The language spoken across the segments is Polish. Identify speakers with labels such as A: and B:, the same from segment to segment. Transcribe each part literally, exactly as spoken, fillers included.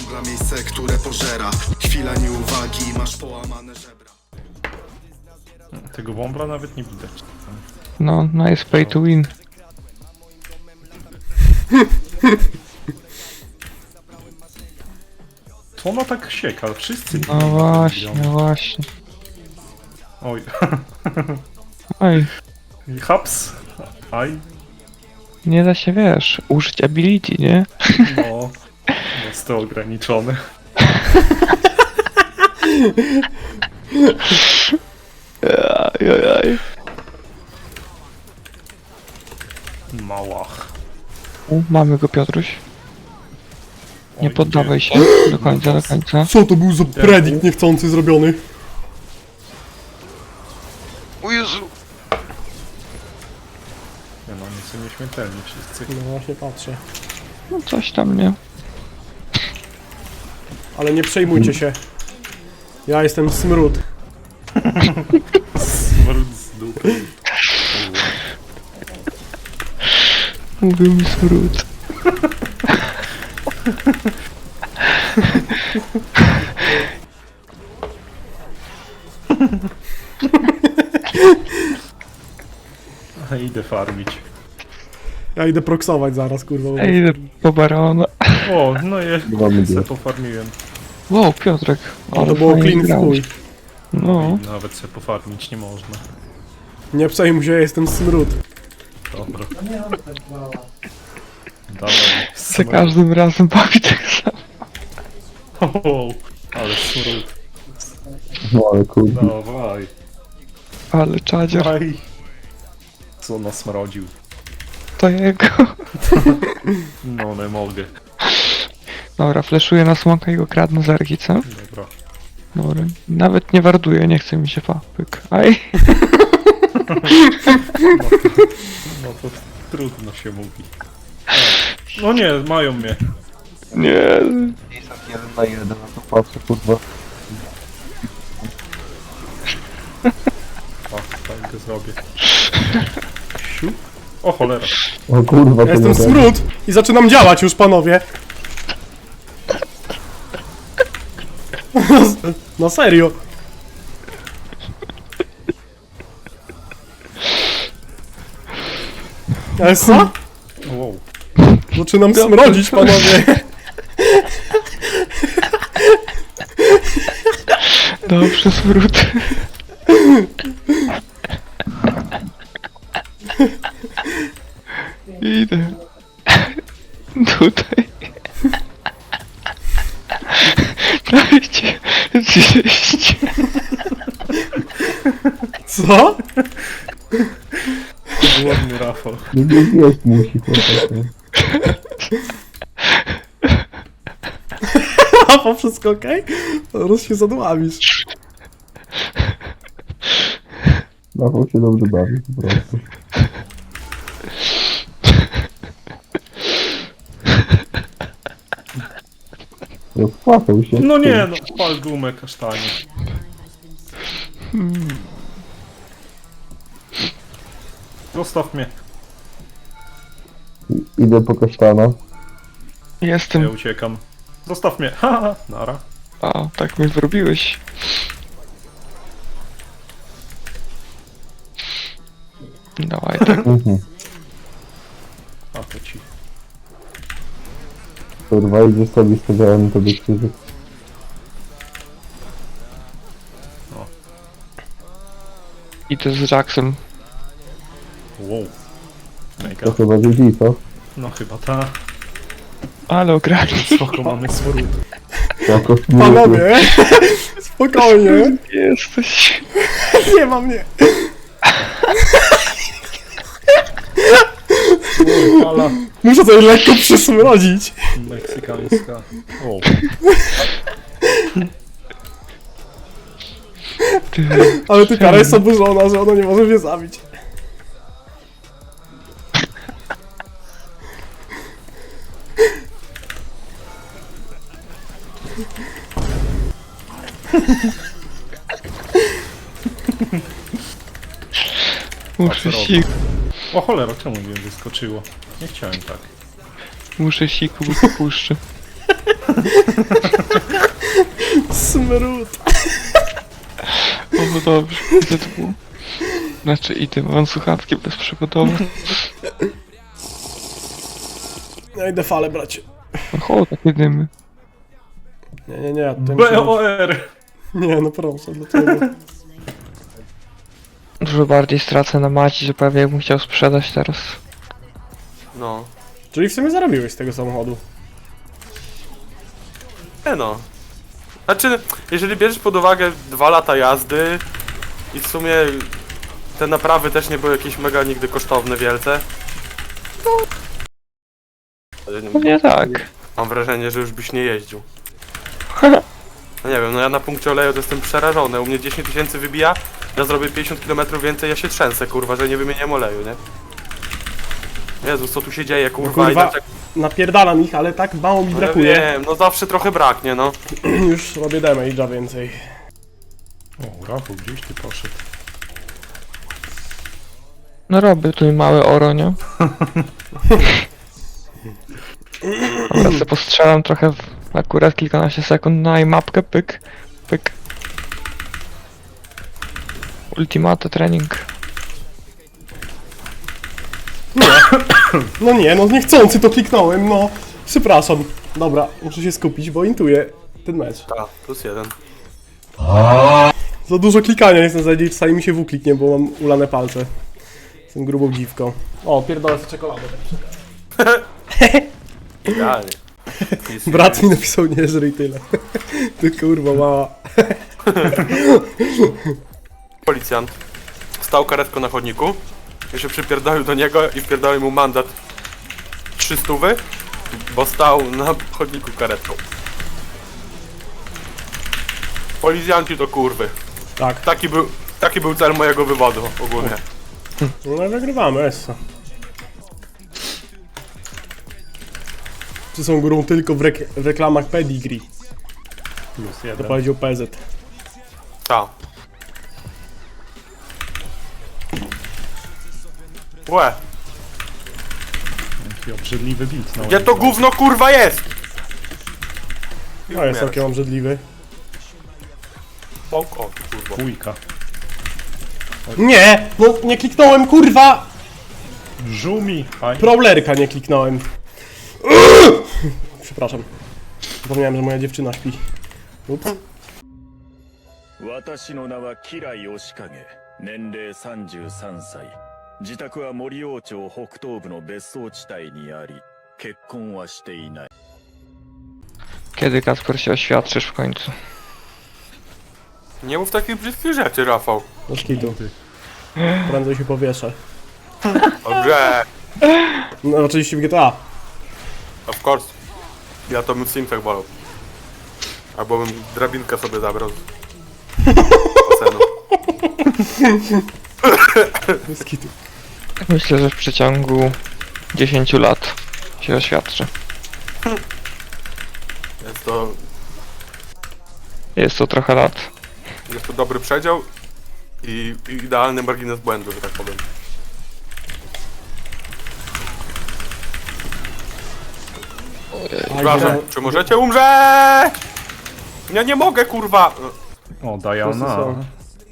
A: Dżungla, miejsce, które pożera. Chwila nieuwagi, masz połamane żebra.
B: Tego bombla nawet nie widać.
C: No, nice pay to win.
B: To ona tak sieka, wszyscy...
C: No właśnie, no właśnie.
B: Oj.
C: Oj,
B: Haps. Aj.
C: nie da się, wiesz, użyć ability, nie?
B: No. Jest to ograniczone.
C: Aj, aj, aj.
B: Małach.
C: U, mamy go, Piotruś. Nie
B: Oj,
C: poddawaj się do końca, do końca.
D: Co to był za predikt niechcący zrobiony?
C: O Jezu!
B: Nie no, oni są nieśmiertelni wszyscy.
D: No właśnie patrzę.
C: No coś tam, nie?
D: Ale nie przejmujcie się. Ja jestem smród.
B: Smród z dupy.
C: Mówił mi smród.
B: Idę farmić.
D: Ja idę proksować zaraz, kurwa. bo-
C: Ej, idę po barona.
B: O, no je, se pofarmiłem.
C: Wow, Piotrek.
D: O,
C: ale
D: to było
C: fajnie
D: clean w
C: grałeś.
D: chuj.
C: No,
B: I nawet se pofarmić nie można.
D: Nie przejmuj się, ja jestem smród.
B: Dobra. Dawaj.
C: za każdym razem bawi tak samo.
B: O, ale smród.
E: No ale kurde.
B: Dawaj.
C: Ale czadzior,
B: Daj. Co nasmrodził?
C: to jego.
B: No, nie mogę.
C: Dobra, fleszuję na smoka i go kradnę z arki, co?
B: Dobra.
C: Dobra. Nawet nie warduję, nie chce mi się papyk. Aj.
B: No to trudno się mówi. No nie, mają mnie.
C: Nie.
E: Jest jeden na jeden, no to patrzę kurwa.
B: O, tak go zrobię. Siu. O cholera.
E: O kurwa,
D: Ja
E: to
D: jestem
E: nie
D: smród i zaczynam działać już, panowie. No serio. Esa?
B: Wow.
D: Zaczynam smrodzić, panowie.
C: Dobrze, smród. Idę. Tutaj. Dajcie zjeść.
D: Co?
B: Głodny Rafał.
E: Nie, nie zjeść musi po prostu.
D: A wszystko okej? Zaraz się zadłamisz.
E: Rafał się dobrze bawi po prostu. Rozpłakał się.
B: No nie, no pal gumę kasztanie. Zostaw mnie.
E: Idę po kasztana.
B: Ja
C: Jestem.
B: uciekam. Zostaw mnie. Haha, nara.
C: A, tak mnie wyrobiłeś. Dawaj, tak.
E: Mhm.
B: A to ci.
E: Kurwa, idzie sobie stawiałem tobie krzyżyk.
C: Idę z Jacksem.
B: Wow. Mega.
E: To chyba widzi, co?
B: No chyba ta.
C: Ale ograli.
B: Spoko, mamy smród.
E: Jako smutny.
D: Panowie, spokojnie.
C: Jesteś.
D: Nie ma mnie.
B: Fala
D: Muszę sobie lekko przysmrodzić.
B: meksykańska. O,
C: Ty.
D: Ale ty kara jest oburzona, że ona nie może mnie zabić.
C: Muszę
B: co
C: siku.
B: o cholera, czemu mi wyskoczyło? Nie chciałem tak.
C: Muszę siku, bo popuszczę.
D: Smród.
C: O, no dobrze, idę tu. Znaczy idę, mam słuchawki bezprzewodowe.
D: Ja idę falę, bracie.
C: No o, takie dymy.
D: Nie, nie, nie. Tym
B: B O R!
D: Nie, no proszę, dlaczego?
C: Dużo bardziej stracę na maci, że prawie jakbym chciał sprzedać teraz.
F: No.
D: Czyli w sumie zarobiłeś z tego samochodu.
F: Nie no. Znaczy, jeżeli bierzesz pod uwagę dwa lata jazdy i w sumie te naprawy też nie były jakieś mega nigdy kosztowne wielce, to... Ale nie-
C: Pewnie tak.
F: Mam wrażenie, że już byś nie jeździł. No nie wiem, no ja na punkcie oleju to jestem przerażony. U mnie dziesięć tysięcy wybija, ja zrobię pięćdziesiąt kilometrów więcej, ja się trzęsę, kurwa, że nie wymieniam oleju, nie? Jezus, co tu się dzieje, kurwa,
D: kurwa,
F: i dlaczego...
D: Napierdalam ich, ale tak mało mi
F: No ja
D: brakuje.
F: wiem, no zawsze trochę braknie, no.
D: Już robię damage'a więcej.
B: O, Rafał, gdzieś ty poszedł.
C: No robię tu małe oro, nie? Dobra, sobie postrzelam trochę w akurat kilkanaście sekund na mapkę, pyk, pyk. Ultimate trening.
D: No nie, no niechcący to kliknąłem, no. Przepraszam. Dobra, muszę się skupić, bo intuję ten mecz.
F: Tak, plus jeden.
D: Za dużo klikania jestem za czasami mi się w kliknie, bo mam ulane palce. Jestem grubą dziwką. O, pierdolę z czekoladę.
F: Idealnie.
D: Brat mi napisał nie żryj tyle. Ty kurwa mała.
F: Policjant stał karetką na chodniku, ja się przypierdolił do niego i wpierdolił mu mandat trzy stówy, bo stał na chodniku karetką. Policjanci to kurwy.
D: Tak.
F: Taki był, taki był cel mojego wywodu ogólnie.
D: No ale wygrywamy, Essa. Czy są górą tylko w, rek w reklamach pedigree?
B: Plus
D: To
B: jeden.
D: powiedział P Z.
F: Ta. Łe,
B: Jaki obrzydliwy beat. No,
F: gdzie to gówno kurwa jest?
D: No jest całkiem obrzydliwy.
F: O, o, kurwa.
B: Dwójka.
D: Nie! No nie kliknąłem, kurwa!
B: Żumi! Aj.
D: Prowlerka nie kliknąłem. Przepraszam. Zapomniałem, że moja dziewczyna śpi. Ups.
G: 私の名は吉来義景年齢さんじゅうさんさい自宅は森王町北東部の別荘地帯にあり結婚はしていない
C: Kiedy Kacper się oświadczysz w końcu?
F: Nie mów takich brzydkich rzeczy, Rafał.
D: No szkitu. Prędzej się powieszę.
F: Dobrze.
D: No oczywiście w G T A.
F: Of course. Ja to bym w Simsach wolał. Albo bym drabinkę sobie zabrał z basenu.
D: Skitu.
C: Myślę, że w przeciągu dziesięciu lat się oświadczy.
F: Jest to,
C: Jest to trochę lat.
F: jest to dobry przedział i, i idealny margines błędu, że tak powiem. Przepraszam, czy możecie umrzeć? Ja nie mogę, kurwa!
B: O,
D: Wszyscy
B: Diana.
D: są.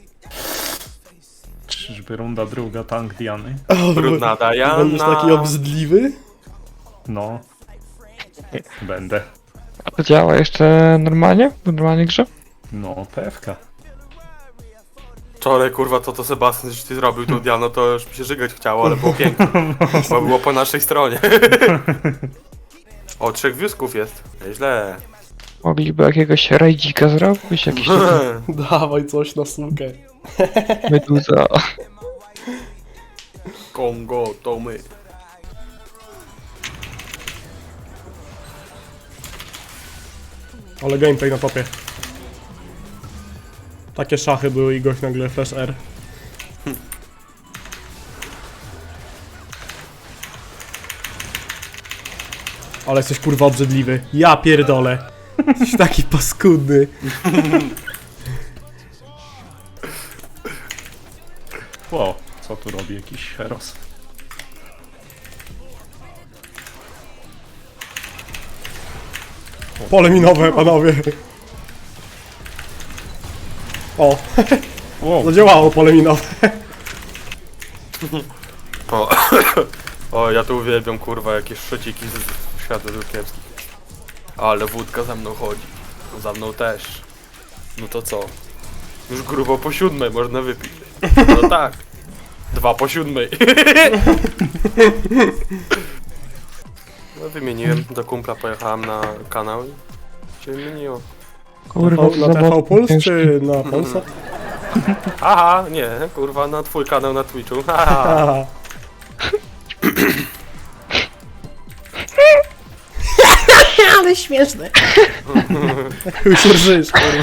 B: Czyżby runda druga, tank Diany?
F: Brudna
D: Będziesz taki
F: Diana.
D: obrzydliwy?
B: No. Będę.
C: A to działa jeszcze normalnie? W normalnej grze?
B: No, P F K.
F: Wczoraj, kurwa, to to Sebastian, że ty zrobił tą Diano, to już mi się żygać chciało, ale było pięknie. Bo było po naszej stronie. O, trzech wiusków jest. Nieźle.
C: Mogliby jakiegoś rajdzika zrobić? Jakiś taki
D: Dawaj coś na sukę.
C: meduza.
F: Kongo, to my.
D: Ale gameplay na topie. Takie szachy były i gość nagle flash R. Ale jesteś kurwa obrzydliwy. Ja pierdolę. Jesteś taki paskudny.
B: Ło, co tu robi jakiś heros?
D: Pole minowe, panowie. O,
B: Wow,
D: zadziałało pole minowe.
F: O, o, ja to uwielbiam, kurwa, jakieś szociki z z świata kiepskich. Ale wódka za mną chodzi. Za mną też. No to co? Już grubo po siódmej można wypić. No tak. Dwa po siódmej. No wymieniłem, do kumpla pojechałem na kanał i się wymieniło.
C: Kurwa,
D: Na
C: co
D: T
C: za
D: V
C: mocno
D: Puls
C: ciężki.
D: czy na Polsat?
F: Aha, nie, kurwa, na twój kanał na Twitchu. Haha.
D: Aha. Ale śmieszne. Już rżysz, kurwa.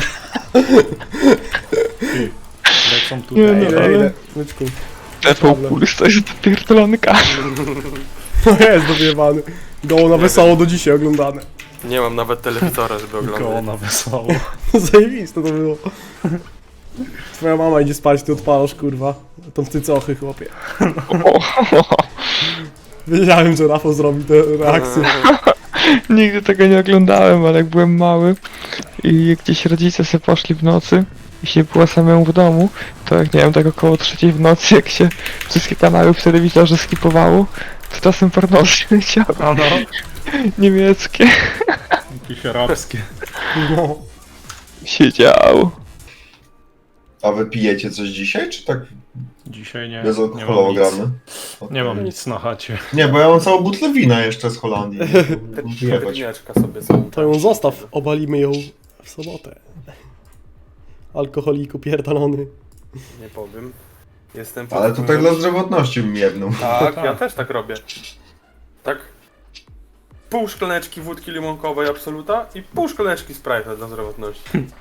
B: lecą
C: Nie,
B: tutaj.
C: no.
D: Idę,
C: ale-
D: idę. Łyczku.
C: T V Puls to jest pierdolony kanał.
D: No jest dowiewany. Goło na wesoło do dzisiaj oglądane.
F: Nie mam nawet telewizora, żeby
B: Koło
F: oglądać.
B: na wesoło.
D: Zajebiste to było. Twoja mama idzie spać, ty odpalasz, kurwa. Tą cycochy, chłopie.
C: O,
D: Wiedziałem, że Rafał zrobi tę reakcję.
C: nigdy tego nie oglądałem, ale jak byłem mały i gdzieś rodzice sobie poszli w nocy i się było samemu w domu, to jak nie wiem, tak około trzeciej w nocy, jak się wszystkie kanały w telewizorze skipowało, to czasem pornosy leciały.
B: A no,
C: Niemieckie.
B: jakieś arabskie.
D: No.
C: Siedziało.
H: A wy pijecie coś dzisiaj, czy tak
B: Dzisiaj nie, nie
H: bezalkoholowo
B: mam nic.
H: gramy?
B: Nie mam nic na chacie.
H: Nie, bo ja mam całą butlę wina jeszcze z Holandii. Wyjebać.
F: Winieczka sobie są.
D: To ją zostaw, obalimy ją w sobotę. Alkoholiku pierdolony.
F: Nie powiem. Jestem
H: Ale to tak dla zdrowotności bym jedną.
F: Tak, ja też tak robię. Tak. Pół szklaneczki wódki limonkowej Absoluta i pół szklaneczki Sprite'a dla zdrowotności.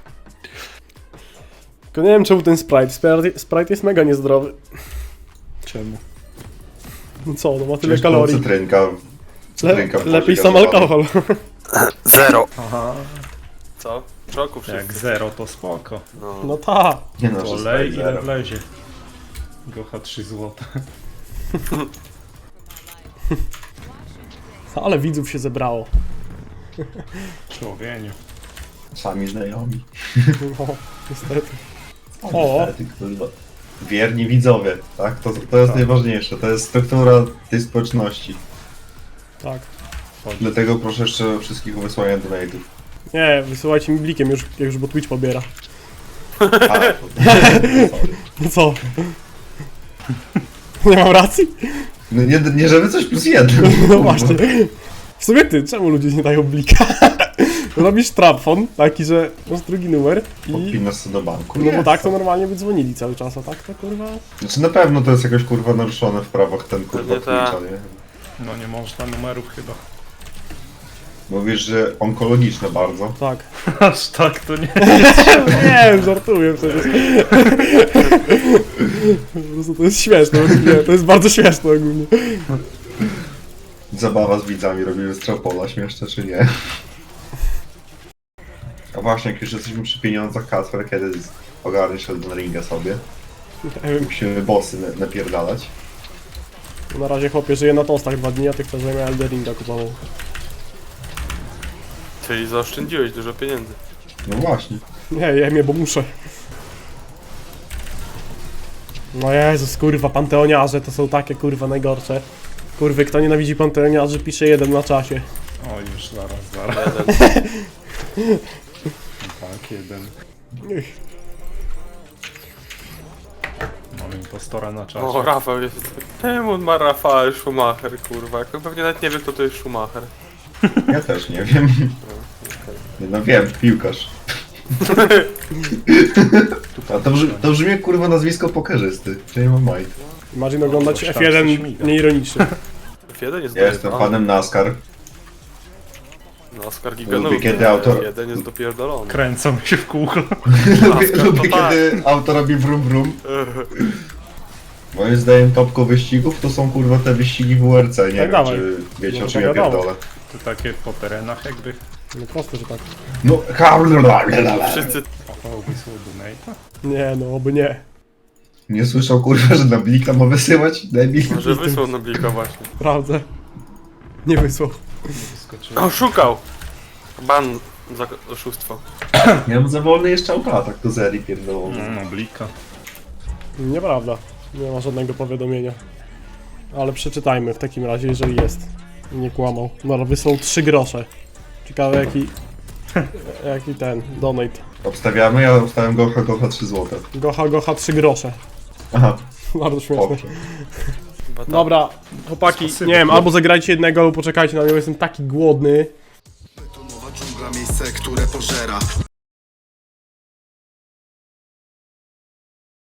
D: Tylko nie wiem czemu ten Sprite. Sprite, Sprite jest mega niezdrowy.
B: Czemu?
D: No co, no ma tyle
H: Przecież
D: kalorii.
H: Cytrynka.
D: Le
H: cytrynka w
D: lepiej
H: wodzie
D: sam
H: gazowanej.
D: alkohol.
F: Zero.
B: Aha,
F: Co? W szoku wszyscy.
B: jak zero to spoko.
F: No.
D: No ta.
H: Nie no,
B: To
H: że
B: lej
H: zero.
B: ile wlezie. Gocha trzy złote.
D: Ale widzów się zebrało.
B: Człowieniu.
H: Sami znajomi.
D: No, niestety.
H: O,
D: O.
H: niestety, kurwa. Wierni widzowie, tak? To, to jest
B: Tak.
H: najważniejsze. To jest struktura tej społeczności.
D: Tak.
H: Dlatego proszę jeszcze wszystkich o wysłanie donate'ów.
D: Nie, wysyłajcie mi blikiem już, jak już bo Twitch pobiera.
H: A, to-
D: No co? Nie mam racji?
H: no nie, nie żeby coś plus jeden.
D: No właśnie. W sumie ty, czemu ludzie nie dają blika? Robisz trapfon, taki, że masz drugi numer i...
H: Podpinasz sobie do banku.
D: No bo
H: Jest.
D: tak to normalnie by dzwonili cały czas, a tak to kurwa...
H: Znaczy na pewno to jest jakoś kurwa naruszone w prawach ten kurwa
F: Pewnie tak.
H: Twitcha, nie?
B: No nie można numerów chyba.
H: Mówisz, że onkologiczne bardzo.
D: Tak.
B: Aż tak to nie.
D: Nie, żartuję przecież. Po prostu to jest śmieszne, nie, to jest bardzo śmieszne ogólnie.
H: Zabawa z widzami, robimy strapola, śmieszne czy nie? A właśnie, jak już jesteśmy przy pieniądzach, Kacper, kiedy z- ogarniesz Elden Ringa sobie?
D: Nie wiem,
H: Musimy bossy na- napierdalać.
D: na razie chłopie żyje na tostach dwa dni, a ty chcesz, żebym ja Elden Ringa kupował.
F: Czyli zaoszczędziłeś dużo pieniędzy.
H: No właśnie.
D: Nie, jem je, bo muszę. No Jezus, kurwa, panteoniarze to są takie kurwa najgorsze. Kurwy, kto nienawidzi panteoniarzy, pisze jeden na czasie.
B: O, już zaraz, zaraz.
F: Jeden.
B: Tak, jeden. Mam impostora na czasie.
F: O, Rafał jest. Czemu on ma Rafael Schumacher, kurwa? Jak on pewnie nawet nie wie, kto to jest Schumacher.
H: Ja też nie wiem. Nie, no wiem, piłkarz. A to, brzmi, to brzmi jak kurwa nazwisko pokerzysty. Czyli mam majt.
D: Imagine oglądać
B: coś
D: F
B: tam
D: jeden
B: coś miga.
D: nieironicznie.
F: F jeden jest
H: Ja jestem fanem NASCAR.
F: NASCAR
H: Lubię,
F: giganów.
H: kiedy autor-
F: F jeden jest dopierdolony.
B: Kręcą się w kółko.
H: Lubię,
F: NASCAR
H: lubię
F: to tak.
H: kiedy auto robi brum brum. Moim zdaniem topko wyścigów to są kurwa te wyścigi w U R C, nie
D: Tak,
H: wiem
D: dawaj.
H: czy wiecie
D: No,
H: o czym
D: to
H: ja
D: wiadomo.
H: pierdolę.
B: To takie po terenach jakby.
D: No proste, że tak.
H: No,
F: Wszyscy.
B: O, wysłał donate'a?
D: Nie, no oby nie.
H: nie słyszał kurwa, że na blika ma wysyłać? Debil.
F: Może wysłał na blika właśnie.
D: Prawdę. Nie wysłał.
B: Wyskoczyłem.
F: Oszukał! Ban za oszustwo.
H: Ja mam za wolny jeszcze autoatak do Zeri pierdolony.
B: No, blika.
D: Nieprawda. Nie ma żadnego powiadomienia. Ale przeczytajmy w takim razie, jeżeli jest. Nie kłamał. Dobra, wysłał trzy grosze. Ciekawe jaki... jaki ten, donate.
H: Obstawiamy, ja obstawiam Gocha, Gocha trzy złote.
D: Gocha, gocha, trzy grosze.
H: Bardzo
D: Bardzo śmieszne.
H: Dobrze.
F: Chyba tak.
D: Dobra, chłopaki,
B: Spasyby.
D: nie wiem, albo zagrajcie jednego, albo poczekajcie na mnie, bo jestem taki głodny.
A: Betonowa dżungla, miejsce, które pożera